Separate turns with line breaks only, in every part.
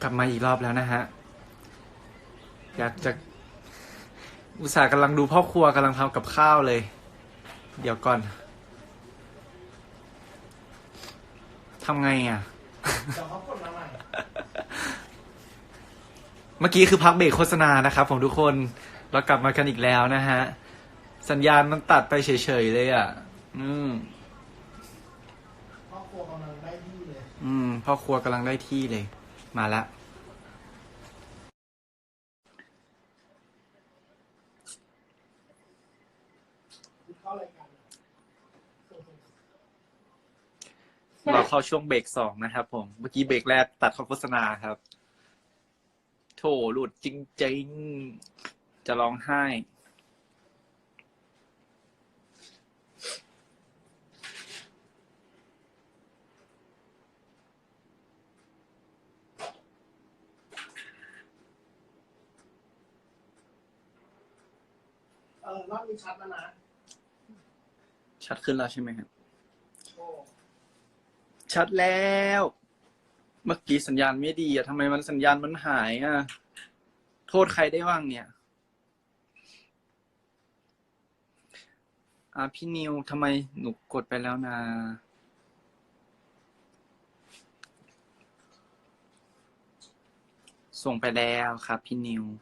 กลับมาอีกรอบแล้วนะฮะ อยากจะอุตส่าห์กำลังดูพ่อครัวกำลังทำกับข้าวเลย เดี๋ยวก่อนทำไงอ่ะ
เดี๋ยวเขากดมาใหม่
เมื่อกี้คือพักเบรกโฆษณานะครับผมทุกคนเรากลับมากันอีกแล้วนะฮะ สัญญาณมันตัดไปเฉยๆเลยอ่ะ
พ่อครัวกำลังได้ที่เลย
พ่อครัวกำลังได้ที่เลย มาละ
เข้ารายการ
เราเข้าช่วงเบรก2นะครับผม เมื่อกี้เบรกแรกตัดเข้าโฆษณาครับ โถหลุดจริงๆ จะร้องไห้
รอบนี้ชัดแล้วนะ
ชัดขึ้นแล้วใช่ไหมครับ
โอ้
ชัดแล้ว เมื่อกี้สัญญาณไม่ดีอ่ะทำไมมันสัญญาณมันหายอ่ะ โทษใครได้บ้างเนี่ย พี่นิวทำไมหนูกดไปแล้วนะ ส่งไปแล้วครับพี่นิว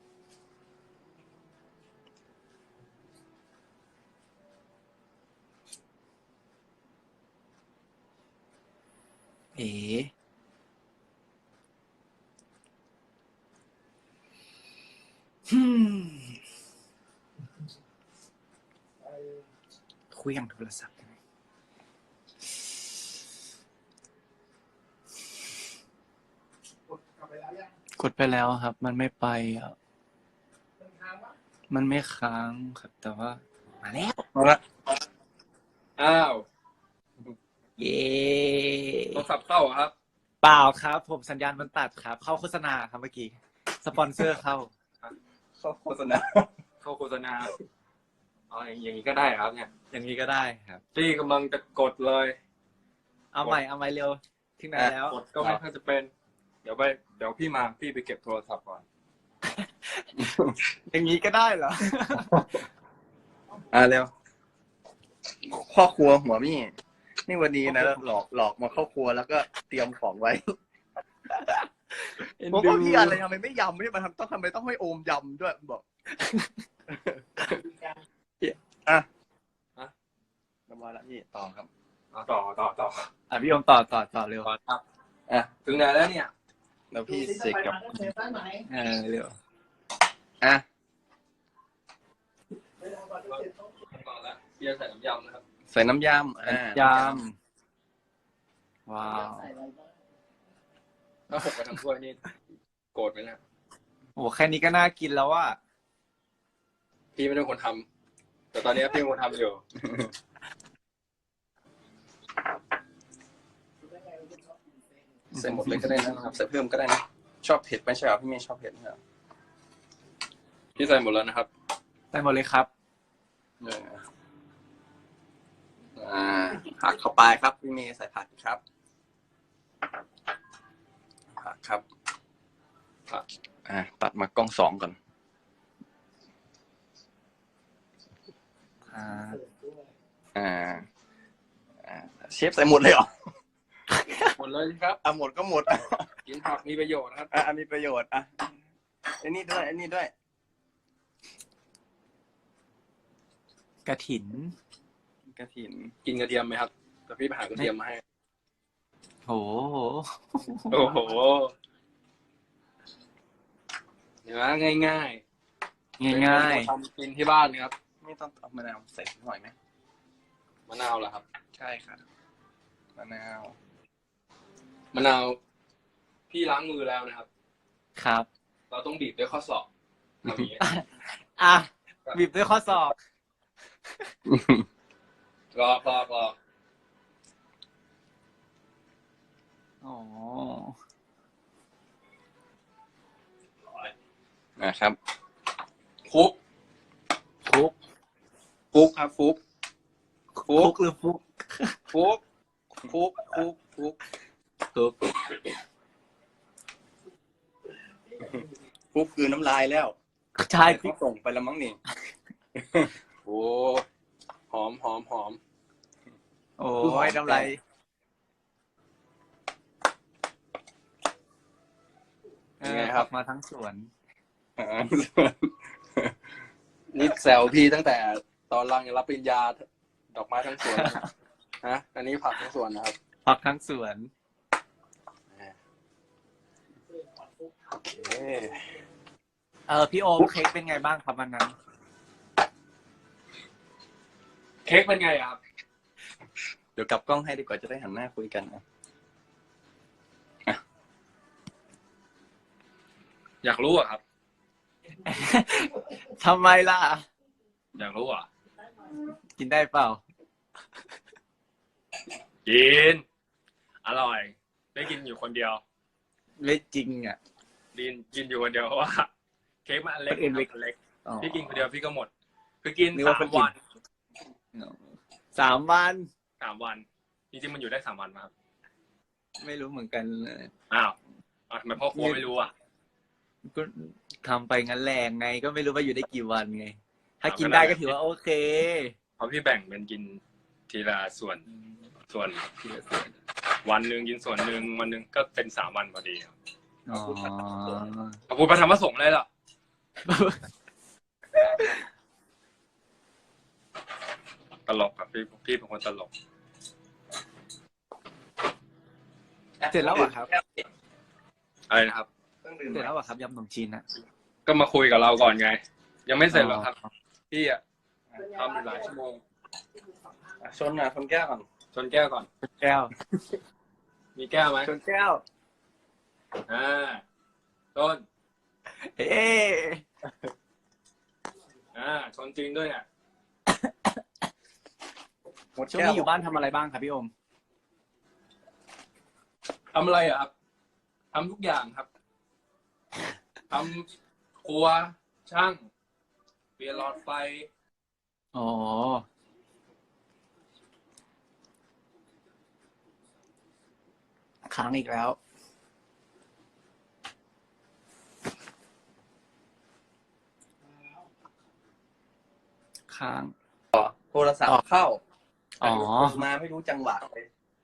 เอ๋ฮึมคุยอย่างโทรศัพท์ได้ไหม
กดกลับไปแล้วยัง
กดไปแล้วครับ มันไม่ไปอ่ะ
เป็นทางวะ
มันไม่ค้างครับ แต่ว่า มาแล้ว
เอาละอ้าว
เย้
โทรศัพท์เข้าเหรอครับ
เปล่าครับ ผมสัญญาณมันตัดครับ เข้าโฆษณาครับเมื่อกี้ สปอนเซอร์เข้า
เข้าโฆษณา เข้าโฆษณาอ๋ออย่างนี้ก็ได้ครับเนี่ย
อย่างนี้ก็ได้ครับ
ที่กำลังจะกดเลย
เอาใหม่เร็วถึงไหนแล้ว
กดก็ไม่ค่อยจะเป็น เดี๋ยวพี่มาพี่ไปเก็บโทรศัพท์ก่อน
อย่างนี้ก็ได้เหรอ
เร็วพ่อครัวหัวมี่นี่วันนี้นะหลอกมาเข้าครัวแล้วก็เตรียมของไว้ผมก็พี่อะไรทำไมไม่ยำไม่มาทำไมต้องให้โอมยำด้วยบอกอ่ะเรียบร้อยแล้วพี่ต่อครับ
ต่อ
พี่โอมต่อเร็ว
ครับ
อ่ะ
ถึงไหนแล้วเนี่ย
แล้วพี่
ดู
เสกกับ
เซฟได้ไหม
เร็ว
อ่ะ
ไม่ได้ก่อนที่เซฟต้อง
ต่อแล้วพี่จะใส่น้ำยำนะครับ
ใส่น้ำยำ
ยำว้าว
ใส่อะไรบ้าง
ถ้าหกไปทำถ้วยนี่โกรธไหมนะ
โอ้แค่นี้ก็น่ากินแล้วอ่ะ
พี่ไม่ได้คนทำแต่ตอนนี้พี่เป็นคนทำอยู่
ได้ไงเราจะชอบกินเส้น
ใส่หมดเลยก็ได้นะครับใส่เพิ่มก็ได้นะชอบเผ็ดไหมใช่เหรอพี่ไม่ชอบเผ็ดเหรอ
พี่ใส่หมดแล้วนะครับ
ได้หมดเลยครับ
ผักเข้าไปครับพี่เมย์ใส่ผักครับผักครับผักตัดมากล้องสองก่อน
เสิร์ฟด้วย
เชฟใส่หมดเลยเหรอ
หมดเลยครับ
หมดก็หมด
กินผักมีประโยชน์นะครับ
มีประโยชน์ไอ้นี่ด้วย
กระถิน
กระถิ่น
กินกระเทียมไหมครับแต่พี่ไปหากระเทียมมาให้
โห
โอ้โหเห็นไหมง่าย
ง่าย
ทำกินที่บ้านนะครับ
ไม่ต้องเอามะนาวใส่หน่อยไหม
มะนาวเหรอครับ
ใช่ค่ะมะนาว
มะนาวพี่ล้างมือแล้วนะครับ
ๆครับ
เราต้องบีบด้วยข้อศอกทำอย่างนี้
บีบด้วยข้อศอก
รอ
อ๋อ
นะครับ
ฟุก
ฟุก
ครับฟุก
ฟุกหรือฟุก
ฟุก
ฟุกใช่
เขาส่งไปแล้วมั้งนี่
โอ้หอม
โอ้ยน้ำลาย
ยังไงครับ
มาทั้งสวน
นี่แซวพี่ตั้งแต่ตอนรังรับปริญญาดอกไม้ทั้งสวนนะฮะอันนี้ผักทั้งสวนนะครับ
ผักทั้งสวน
โอเค
พี่โอมเค้กเป็นไงบ้างครับวันนั้น
เค้กเป็นไงครับ
เดี๋ยวกลับกล้องให้ดีกว่าจะได้หันหน้าคุยกันนะ
อยากรู้อะครับ
ทำไมล่ะ
อยากรู้อะ
กินได้เปล่า
กิน อร่อย ได้กินอยู่คนเดียว
ไม่จริงอ่ะ
กินอยู่คนเดียวเพราะว่า เค้กมันอันเล็ก
คนอื่นไม่
อันเล็ก
อ๋อ
พี่กินคนเดียวพี่ก็หมด คือกิน
นึกว่า
3
คนกิน
วัน
3 วัน
3 วัน จริงๆมันอยู่ได้3 วันมาครับ
ไม่รู้เหมือนกันเลย
อ้าวทำไมพ่อครัวไม่รู้อ่ะ
ก็ทำไปงั้นแรงไง ก็ไม่รู้ว่าอยู่ได้กี่วันไง ถ้ากินได้ก็ถือว่าโอเค
เพราะพี่แบ่งเป็นกินทีละส่วน
ทีละส่วน
วันหนึ่งกินส่วนหนึ่งวันหนึ่งก็เป็น3 วันพอดีครับ
อ๋อ
ขอบคุณพระธรรมสงฆ์เลยล่ะ ตลกครับพี่เป็นคนตลก
เสร็จแล้วเหรอครับ
อะไรนะครับ
ต้องดื่ม
เสร็จแล้วเหรอครับยำขนมจีนนะ
ก็มาคุยกับเราก่อนไง ยังไม่เสร็จหรอกครับ พี่อ่ะทำอยู่หลายชั่วโมง
ชนชนแก้วก่อน
ชนแก้วก่อน
แก้ว
มีแก้วไหม
ชนแก้ว
ต้น
เอ๊ะ
ชนจริงด้วยเนี่ย
หมด
ช่วง
แก้ว
นี้อยู่บ้านทำอะไรบ้างครับพี่โอม
ทำอะไรอ่ะครับทำทุกอย่างครับทำครัวช่างเปลี่ยนหลอดไฟ
อ๋อ ค้างอีกแล้ว ค้าง
โทรศัพท์เข้า
อ๋อ
มาไม่รู้จังหวะเลย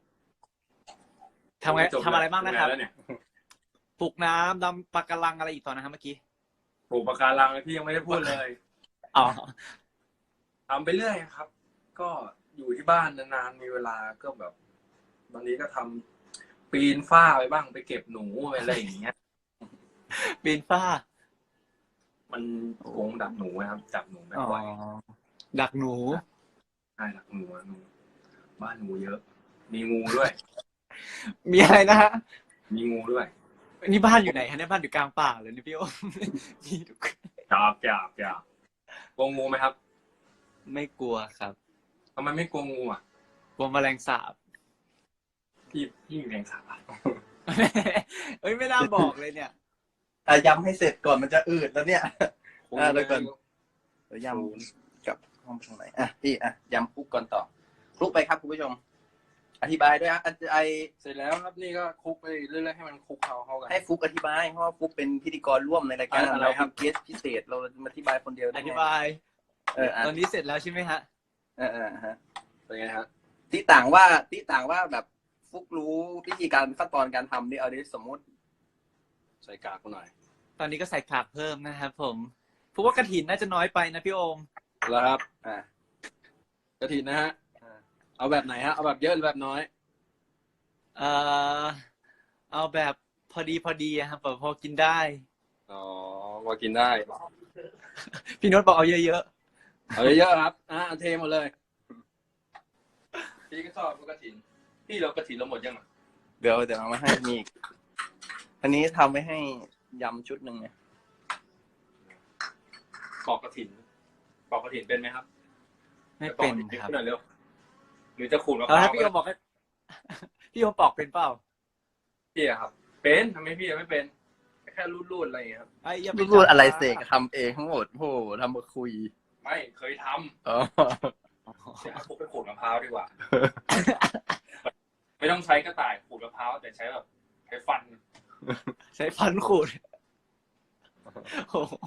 ทำไงทำอะไรบ้างนะครับ
แล้วเนี่ย
ปลูกน้ำดำปะการังอะไรอีกตอนนะครับเมื่อกี้
ปลูกปะการังพี่ยังไม่ได้พูดเลย
อ๋อ
ทำไปเรื่อยครับ ก็อยู่ที่บ้านนานๆมีเวลาก็แบบบางทีก็ทำปีนฝ้าไปบ้างไปเก็บหนูไปอะไรอย่างเงี้ย
ปีนฝ้า
มันกรงดักหนูนะครับจับหนูไม่
อ๋อ
ไหว
ดักหนู
ใช่ดักหนูบ้านหนูเยอะ มีงูด้วย
มีอะไรนะฮะ
มีงูด้วย
นี่บ้านอยู่ไหนฮะเนี่ยบ้านอยู่กลางป่าเลยนี่พี่โอม มีทุก
จับกลัวงูไหมครับ
ไม่กลัวครับ
ทำไมไม่กลัวงูอ่ะ
กลัวแมลงสาบ
พี่แรงสาบ
เอ้ยไม่น่าบอกเลยเนี่ย
ย้ำให้เสร็จก่อนมันจะอืดแล้วเนี่ย เดี๋ยวก่อน เดี๋ยวย้ำกับห้องตรงไหนพี่ย้ำคลุกก่อนต่อคลุกไปครับคุณผู้ชม อธิบายด้วย
เสร็จแล้วครับนี่ก็คลุกไปเรื่อยๆให้มันคลุกเข้ากัน
ให้ฟุกอธิบายเพราะว่าฟุกเป็นพิธีกรร่วมในรายการ
อะไร
เรา
ครั
เป็
บ
นเกสพิเศษเรามาอธิบายคนเดียว
อ
ได้ไง
ธิบาย
อ่ะ
ตอนนี้เสร็จแล้วใช่ไหมฮะ
ฮะ
เป็นไงฮะ
ที่ต่างว่าแบบฟุกรู้วิธีการขั้นตอนการทำนี่เอาดิสมมติ
ใส่กากกูหน่อย
ตอนนี้ก็ใส่ผักเพิ่มนะครับผมเพราะว่ากระถินน่าจะน้อยไปนะพี่โอม
แล้วครับ
อ่ะ
กระถินนะฮะเอาแบบไหนฮะเอาแบบเยอะหรือแบบน้อย
เอาแบบพอดีอะครับแบบพอกินได้
อ๋อว่ากินได้
พี่โน้ตบอกเอาเยอะ
เอาเยอะๆครับเอาเทหมดเลย พี่ก็ชอบกระถิน พี่เรากระถินเราหมดยังอ่ะ
เดี๋ยวเอามาให้มีอีกอันนี้ทำไว้ให้ยำชุดหนึ่งเนี่ย
ปอกกระถินเป็นไหมครับ
ๆไม่เป็น
ปอกกะถิ่
ครับ
หน่อยเร็วหรือจะขูดมะพ
แล้ว
ร้า
ถ้าว พี่โอมบอกให้ พี่โอมปอกเป็นเปล่า
พี่อะครับ เป็นทำไมพี่ยังไม่เป็นแค่รูดๆอะไรอย่างเงี้ยครับ
ไอ้อย่าไป
พูดอะไรเสกทำเองทั้งหมดโอ้โหทำมาคุย
ไม่เคยท
อ๋อ
ำเดี๋ยวพวกไปขูดมะพร้าวดีกว่า ไม่ต้องใช้กระต่ายขูดมะพร้าวแต่ใช้แบบใช้ฟัน
ใช้ฟันขูดโอ้โห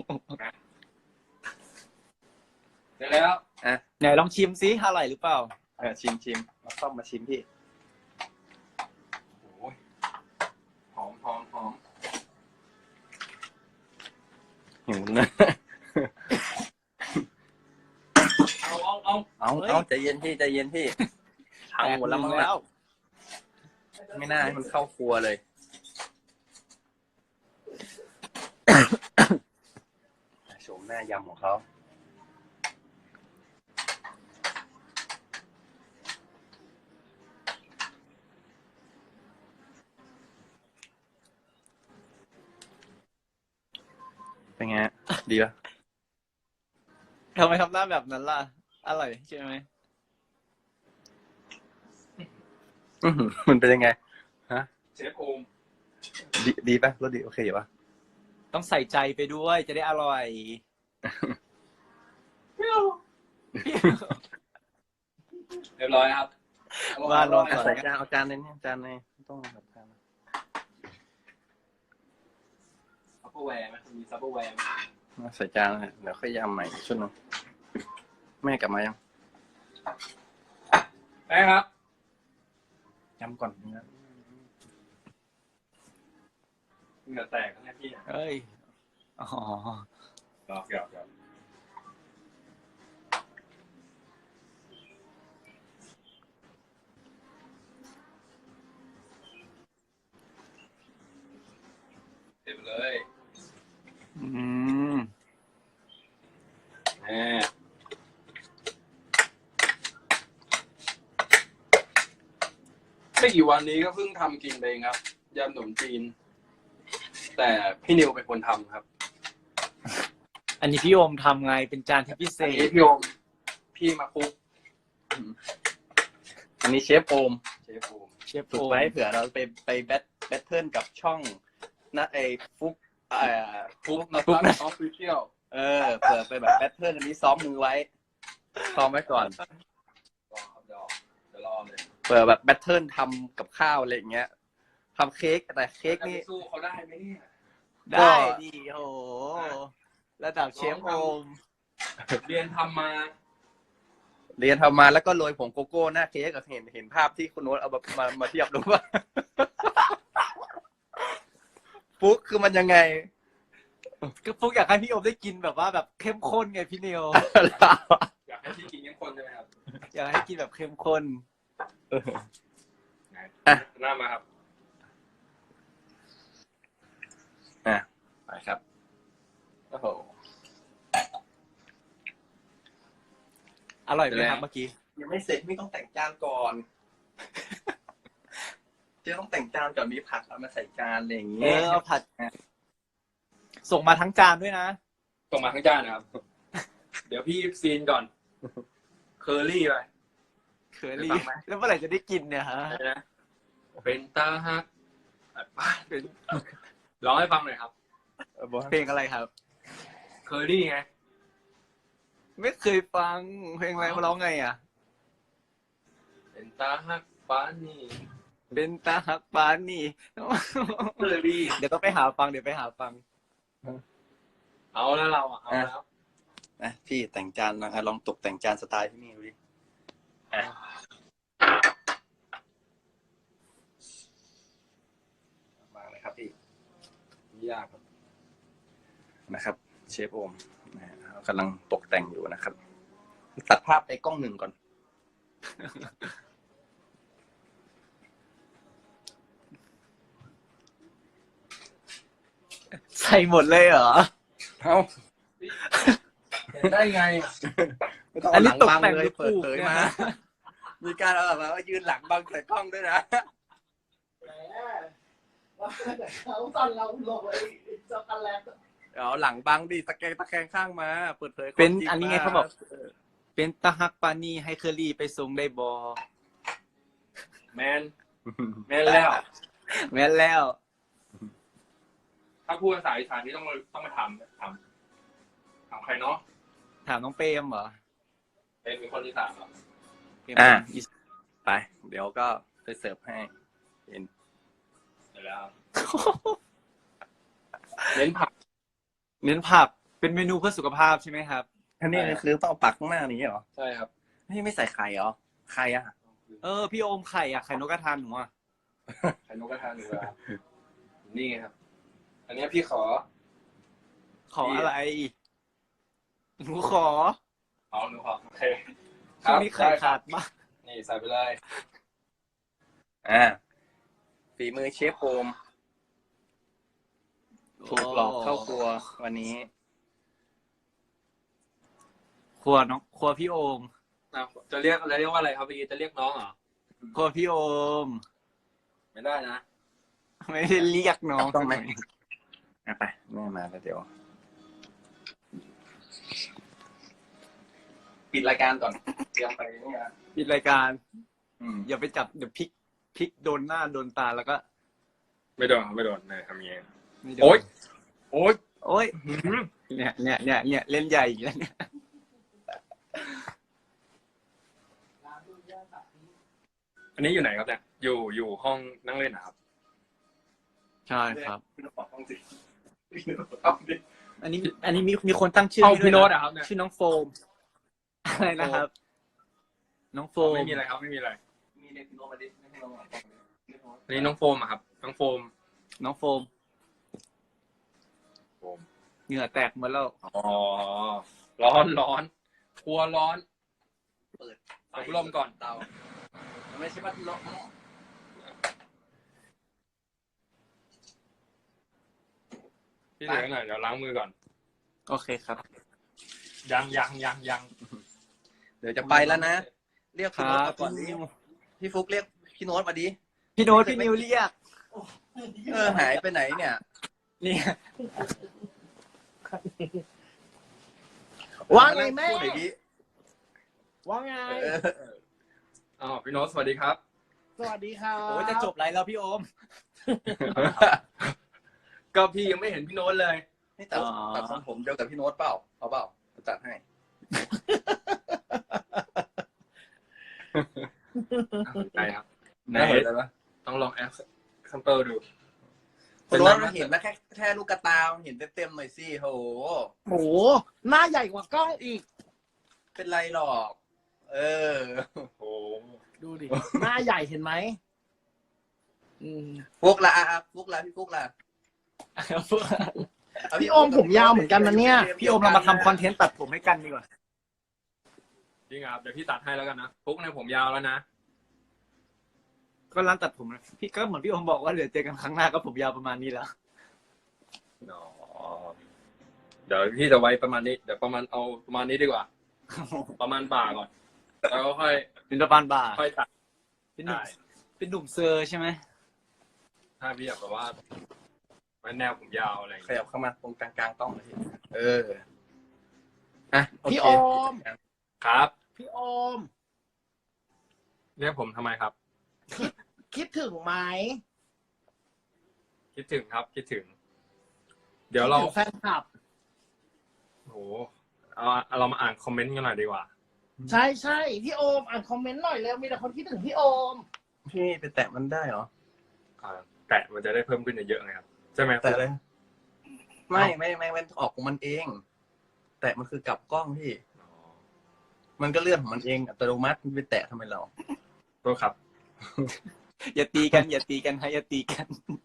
เดี๋ยวแล้ว
ไหนลองชิมซิอร่อยหรือเปล่า
ชิมมาเข้ามาชิมพี่
โอ้ยหอม
หิวนะ เอาใจเย็นพี่ใจเย็นพี่พังหมดแล้วมั้งแล้ว ไม่น่าให้มันเข้าครัวเลย โฉมหน้ายำของเขาเป็นไง ดีป่ะ
ทำไมทำหน้าแบบนั้นล่ะ อร่อยใช่ไหม
มันเป็นยังไง
เชฟโอม
ดีป่ะรสดีโอเคอยู่ป่ะ
ต้องใส่ใจไปด้วยจะได้อร่อย
เรียบร้อยครับ
ว่าลองก่อน
ใส่จานเอาจานในนี้จานในต้องแบบจาน
ซับเปอร์แวร์ไหมมีซับเปอร์แวร์ไหม
ใส่จานเลยเดี๋ยวค่อยยำใหม่ชุดนึงแม่กลับมายัง
แม่ครับ
ยำก่อนนะ
เหงื่อแตกนะพี่
เอ้ย อ๋อ
หยอกเต็มเลย
อืม
แม่ไม่กี่วันนี้ก็เพิ่งทำกินไปเองครับยำขนมจีน แต่พี่นิวเป็นคนทำครับ
อันนี้พี่โอมทำไงเป็นจานที่พิเศ
อันนี้
ษ
พี่โอมพี่มาคุก
อันนี้เชฟโอม
เชฟโอม
เชฟ
ฝึ
โอก ม
ไว้เผื่อเราไปแบทเทิลกับช่องนะไอ้ฟุก
คุกนะ
ฟุกนะ
ออฟฟิเชียล
เผื่อไปแบบแบทเทิลอันนี้ซ้อมมือไว้ซ้อมไว้ก่อน
รอครับเดี๋ยวรอเลย
เผื่อแบบแบทเทิลทำกับข้าวอะไรอย่างเงี้ยทำเค้กแต่เค้ก
จะ
นี่
ไปสู้เขาได้ไหมเนี่ย
ได้ดีโหระดับเชฟโอม
เรียนทำมา
เรียนทำมาแล้วก็โรยผงโกโก้หน้าเค้กเห็นภาพที่คุณโน้ตเอามาเทียบดูว่า ฟุกคือมันยังไง
ก็พวกอยากให้พี่โอมได้กินแบบว่าแบบเข้มข้นไงพี่เนียว
อยากให้พี่กินยังคนใช่ไหมครับ
อยากให้กินแบบเข้มข้น
หน้ามาครับ
ไปครับโอ้โห
อร่อยไหมครับเมื่อกี้
ยังไม่เสร็จไม่ต้องแต่งจานก่อน เจ๊ต้องแต่งจานก่อนมีผักเอามาใส่จานอะไรอย่าง
เอ
เงี้ย
อเอาผัด ส่งมาทั้งจานด้วยนะ
ส่งมาทั้งจานนะครับ เดี๋ยวพี่ซีนก่อน เคอรี่ไป
เคอรี่แล้วเมื่อไหร่จะได้กินเนี่ยฮะ
อะไรนะเป็นตาฮักร้องให้ฟังหน่อยครับ
เพลงอะไรครับ
เคอรี่ไง
ไม่เคยฟังเพลงอะไรมาร้องไงอ่ะ
เป็นตาฮักฟ้านี่
เป็นตาหักปานนี่
เคอรี่
เดี๋ยวต้องไปหาฟังเดี๋ยวไปหาฟัง
เอาแล้วเราอ่ะเอาแล้ว
นะพี่แต่งจานนะลองตกแต่งจานสไตล์ที่นี่ดูดิวางเลยครับพี่
ยากครับ
นะครับ เชฟโอมนะฮะกำลังตกแต่งอยู่นะครับ ตัดภาพไปกล้องหนึ่งก่อน
ใส่หมดเลยเหรอ
เอ้า
เห็นได้ไง
ไม่ต้อง
อั
เอา
น
ห
นี้
ลัง
ตก
บัง
แต่ง
เล
หรื
ย
อ
เปิด
ปลูก
เผย
เนี่ย
มา
นะ
มีการเอาแบบว่ายืนหลังบังใส่กล้องด้วยนะ
แหมว่าแต่เขาตอนเราลงไอ้ช็อกโกแลต
เอาหลังบังดิตะแคงข้างมา เปิดเผยความ
เป็น
จริง
อันนี้ไงเขาบอก เป็นตาหักปานนี่ให้เคอรี่ไปส่งได้บอ
แมนแล้ว
แม่นแล้ว
ถ้าพูดภาษาอีสานนี่ต้องมาถามใครเนาะ
ถามน้องเปรมเหรอ
เป็นคนอีสานเหรอ
เปรม
ไป เดี๋ยวก็ไปเสิร์ฟให้เห็น
เดี๋ยวแล้วเน้นผัก
เน้นผักเป็นเมนูเพื่อสุขภาพใช่ไหมครับ
อันนี้คือต้องเอาปักข้างหน้านี้เหรอ
ใช่ครับ
ไม่ใส่ไข่เหรอไข่อะ
พี่โอมไข่อะไข่นกกระทาหนูอะ
ไข่นกกระทาหนูครับนี่ไงครับ อันนี้พี่ขอ
ขออะไรหนูขอ
เอาหนูขอโอเค
ช่วงนี้ไข่ขาดมาก
นี่ใส่ไปเลย
ฝีมือเชฟโอมถูกหลอกเข้าครัววันนี้
ครัวพี่โอม
จะเรียกอะไรเรียกว่าอะไรครับเมื่อกี้จะเรียกน้องเหรอ
ครัวพี่โอม
ไม่ได้นะ
ไม่ได้เรียกน้อง
ต้องไหม ไปแม่มาแล้วเดี๋ยว ปิดรายการก่อนเตรียมไปนี่นะ
ปิดรายการ
อืม
อย่าไปจับเดี๋ยวพลิกโดนหน้าโดนตาแล้วก็
ไม่โดนไม่โดนเลยทำยังไง
ไม่โดน
โอ๊ยโอ๊ย
โอ๊ยเนี่ยเล่นใหญ่อีกแล้วเนี่ย
อันนี้อยู่ไหนครับเนี่ยอยู่ห้องนั่งเล่นนะครับ
ใช่ครับ
พี่โน้ตบอกห้องสิพี่โน้ตบอกห้องสิ
อันนี้มีคนตั้งชื่อ
ห้อง
ให้ด้วย
พี่โน้ตอะครับเนี่ย
ชื่อน้องโฟมอะไรนะครับ น้องโฟม
ไม่มีอะไรครับไม่มีอะไร
มีเรียกพี่โน้ตมาดิไม่ให้น้องบอกเรียกน้อง
อันนี้น้องโฟมอะครับน้องโฟม
น้องโฟม
โฟม
เหงื่อแตกหมดแล้ว
อ๋อร้อนครัวร้อน
เปิด
อบรมก่อน
เตามันไม่ใช่พัดลม
พี่เหลือหน่อยเดี๋ยวล้างมือก่อน
โอเคครับ
ยัง
เดี๋ยวจะไปแล้วนะ เรียก
ค
พี่
รั
โน้ต
บ
มาก่อนดิพี่ฟุกเรียกพี่โน้ตมาดิ
พี่โน้ตพี่นิวเรียก
หายไปไหนเนี่ย
เนี่ย
ว่าไงแม่
พูดหน่อยดิ
ว่าไง
อ้าวพี่โน้ตสวัสดีครับ
สวัสดีครับ
โอ้ยจะจบไรแล้วพี่โอม
ก็พี่ยังไม่เห็นพี่โน้ตเลย
นี่ตัด
อ๋อ
ทรงผมเดียวกับพี่โน้ตเปล่าเอาเปล่าจะตัดให้
ใช่ครับ
ได้เห็นแล้วนะ
ต้องลองแอปซัมเปิลดู
คุณโน้ตเห็นแล้วแค่ลูกกระตาเห็นเต็มๆหน่อยสิโห
โหหน้าใหญ่กว่ากล้องอีก
เป็นไรหรอก เออ
โอ้
ดูดิ หน้าใหญ่เห็นไหมอืม
ฟุกละฟุกละพี่ฟุกละ
พี่โอมผมยาวเหมือนกันนะเนี่ย
พี่โอมเรามาทำคอนเทนต์ตัดผมให้กันดีกว่า
จริงครับเดี๋ยวพี่ตัดให้แล้วกันนะปุ๊กในผมยาวแล้วนะ
ก็ร้านตัดผมนะพี่ก็เหมือนพี่โอมบอกว่าเดี๋ยวเจอกันครั้งหน้าก็ผมยาวประมาณนี้แล้ว
อ๋อเดี๋ยวพี่จะไว้ประมาณนี้ เดี๋ยวเอาประมาณนี้ดีกว่า ประมาณบ่าก่อน แล้วก็ค่อย
เป็นประมาณบ่า
ค่อยตัด
เป็นหนุ่ม
ได้
เป็นหนุ่มเซอร์ใช่ไหม
ถ้าพี่อยากแบบว่าไว้แนวผมยาวอะไรอย่าง
ข
เงี้ย
ยับเข้ามาตรงกลางๆต้องเลยโอ
พี่
เค
โอม
ครับ
พี่โอม
เรียกผมทำไมครับ
คิดถึงไหม
คิดถึงครับ คิดถึง เดี๋ยวเรา
คิดถึงแฟนคลับ
โอ้โหเรามาอ่านคอมเมนต์กันหน่อยดีกว่า
ใช่ใช่พี่โอมอ่านคอมเมนต์หน่อยเร็วมีแต่คนคิดถึงพี่โอม
พี่ไปแตะมันได้เหรอ
แตะมันจะได้เพิ่มขึ้นเยอะๆไงครับใช่ไหม
แตะเลยไม่มันออกของมันเอง แตะมันคือกลับกล้องพี่
อ๋อ
มันก็เลื่อนของมันเองอัตโนมัติมันไปแตะทำไมเรา
โทษครับ
อย่าตีกันอย่าตีกันให้อย่าตีกัน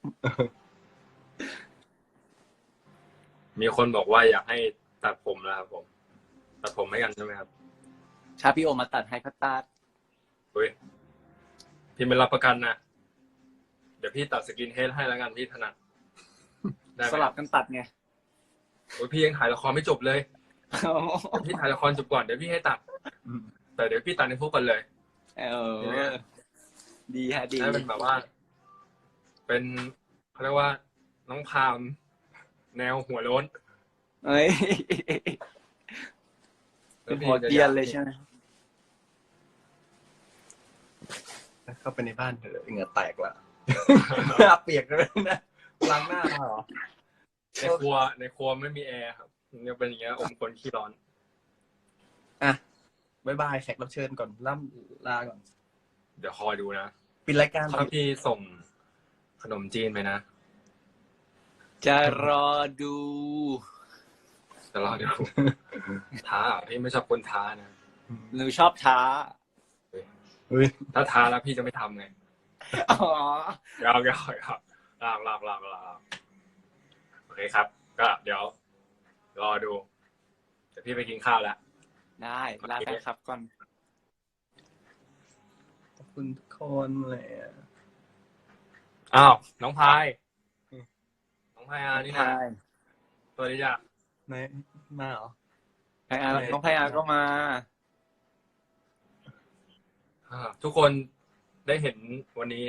มีคนบอกว่าอยากให้ตัดผมแล้วครับผม ตัดผมให้กันใช่ไหมครับ
ถ้าพี่โอมมาตัดให้ก็ตัด
เฮ้ยพี่ไม่รับประกันนะเดี๋ยวพี่ตัดสกินเฮดให้แล้วกันพี่ถนัดได้ไหม
สลับกันตัดไง
โอ้ยพี่ยังถ่ายละครไม่จบเลยเดี๋ยวพี่ถ่ายละครจบก่อนเดี๋ยวพี่ให้ตัด แต่เดี๋ยวพี่ตัดในพวกกันเลย
ดีฮะดี
ให้เป็นแบบว่า เป็นเขาเรียกว่าน้องพามแนวหัวโล้น
เอ้ยเป็นหัวเกรียนเลยใช่ไหม
เข้าไปในบ้านเถอะเหงื่อแตกละเปียกเลยนะล้างหน้ามาเหรอ
ในครัวไม่มีแอร์ครับยังเป็นอย่างเงี้ยอมคนขี้ร้อน
บ๊ายบายแขกรับเชิญก่อนล่ำลาก่อน
เดี๋ยวคอยดูนะ
ปิดรายการ
ถ้าพี่ส่งขนมจีนไปนะ
จะรอดู
แต่รอดู ท้าพี่ไม่ชอบคนท้านะ
หนูชอบท้า
เฮ้ย
ถ้าท้าแล้วพี่จะไม่ทำไง
อ๋อ
ยาวโอเคครับ ก็เดี๋ยวรอดูเดี๋ยวพี่ไปกินข้าวแล้ว
ได้ลาแฟนคลับก่อน
ขอบคุณทุกคนเลยอะ
อ้าวน้องพายน้องพายอานี่นะ
ใช่
สวัสดีจ้ะ
ไหนมาเหรอ
ไพอาร์น้องไพอาร์ก็มา
ทุกคนได้เห็นวันนี้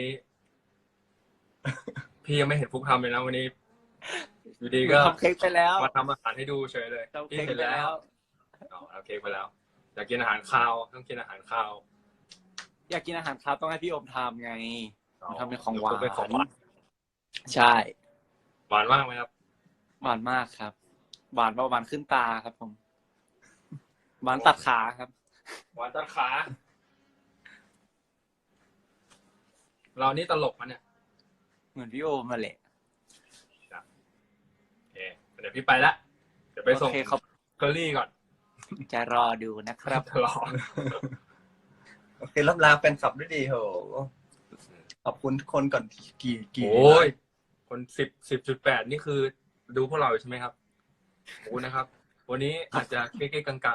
พี่ยังไม่เห็นฟุกทำเลยนะวันนี้อยู่ดีก็
ทำเค้กไปแล้ว
มาทำอาหารให้ดูเฉยเลย
ทำ
พี่
เค้ก
เสร็จ
ไป
แล้
แล้ว ว
เอาเค้กไปแล้วอยากกินอาหารคาวต้องกินอาหารคาว
อยากกินอาหารครับต้องให้พี่โอมทำไง ทำเป็นของหวาน
เป็นของหวาน
ใช่
หวานมากไหมครับ
หวานมากครับ หวานประมาณขึ้นตาครับผม หวานตัดขาครับ
หวานตัดขาเรานี่ตลกมันเนี่ย
เหมือนพี่โอมมาแหละ
โอเคเดี๋ยวพี่ไปละเดี๋ยวไปส่ง
โอเคครับ
เคอรี่ก่อน
จะรอดูนะครับ
รอ
โอเครับลาแฟนคลับด้วยดีโหขอบคุณทุกคนก่อนกี่
โอ้ยคน10.8นี่คือดูพวกเราใช่ไหมครับโอ้นะครับ วันนี้อาจจะเก๊ๆกัง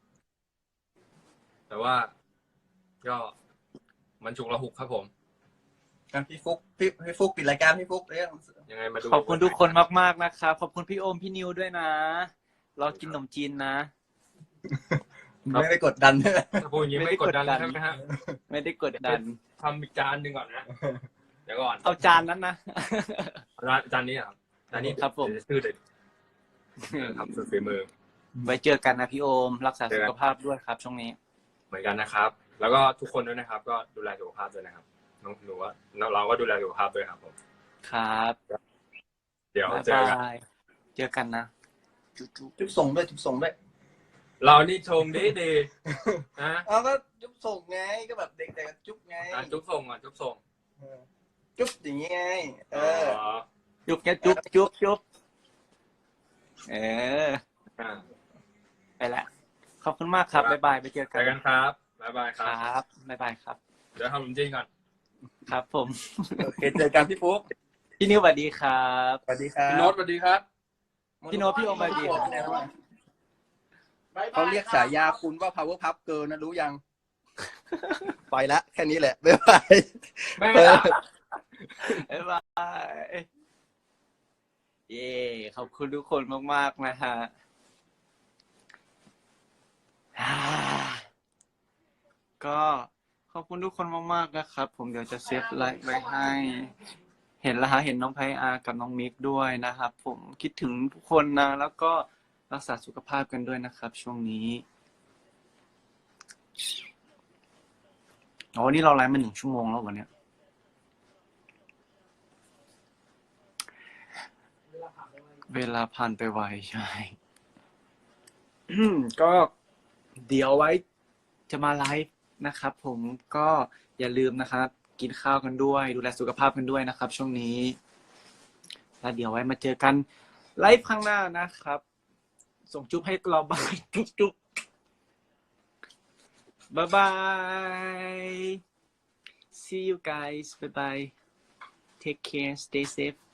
ๆแต่ว่าก็มันฉุกละหุกครับผม
อ่ะพี่ฟุกพี่ฟุกปิดรายการพี่ฟุกเรื่อง
ยังไงมาดู
ขอบคุณทุกคนมากๆนะครับ ขอบคุณพี่โอมพี่นิวด้วยนะ เรากินขนมจีนนะ
ไม่ไปกดดันใช่ไหม
ถ้าพูดอย่างนี้ไม่กดดันเลยใช่ไหมฮะ
ไม่ได้กดดัน
ทำอีกจานหนึ่งก่อนนะ เดี๋ยวก่อน
เอาจานนั้นนะ
จานนี้เหรอครับจานนี้
ครับผม
เดี๋ยวชื่อเด็ดครับสุดฝีมือ
ไว้เจอกันนะพี่โอม รักษาสุขภาพด้วยครับ ช่วงนี้
เหมือนกันนะครับ แล้วก็ทุกคนด้วยนะครับ ก็ดูแลสุขภาพด้วยนะครับน้องหนูว่าเราก็ดูแลสุขภาพด้วยครับผม
ครับ
เดี๋ยว
บ๊าย
เจอกัน
บายเจอกันนะ จุ๊บ
จุ๊บส่งด้วยจุ๊บส่งด้วย
เรานี่ชงดีๆนะ
เอาก็จุ๊บส่งไงก็แบบเด็กๆก็จุ๊บไง
จุ๊บส่งอ่ะจุ๊บส่ง
จุ๊บอย่างงี้ไงอ
จุ๊บแกจุ๊บจุ๊บจุ๊บเออ
อ่า
ไปละขอบคุณมากครับ บ๊ายบาย ไปเจอ
เจ
กัน
อกันครับบ๊ายบายค
ครับ รับ บ๊ายบายครับ
เดี๋ยวทำขนมจีนก่อน
ครับผม
โอเคเจอกันพี่ฟุก
พี่นิวสวัสดีครับ
สวัสดีครับ
พี่โน้ตสวัสดีครับ
พี่โน้ตพี่โอมสวัสดีครับ
บ๊ายบ
เขาเรียกฉายาคุณว่า power pup girl นะรู้ยัง ไปละแค่นี้แหละบ๊ายบาย
ไม่
บ๊ายบาย เย้ขอบคุณทุกคนมากๆนะฮะก็ขอบคุณทุกคนมากๆนะครับ ผมเดี๋ยวจะเซฟไลฟ์ไว้ให้ เห็นแล้วฮะเห็นน้องไพอาร์กับน้องมิกด้วยนะครับ ผมคิดถึงทุกคนนะ แล้วก็รักษาสุขภาพกันด้วยนะครับ ช่วงนี้อ๋อนี่เราไลฟ์มา1 ชั่วโมงแล้ววันเนี้ย เวลาผ่านไปไวใช่ ก็เดี๋ยวไว้จะมาไลฟ์นะครับ ผมก็อย่าลืมนะครับ กินข้าวกันด้วย ดูแลสุขภาพกันด้วยนะครับ ช่วงนี้แล้วเดี๋ยวไว้มาเจอกันไลฟ์ข้างหน้านะครับ ส่งจุ๊บให้เราบ้างจุ๊บจุ๊บบ๊ายบาย see you guys bye bye take care stay safe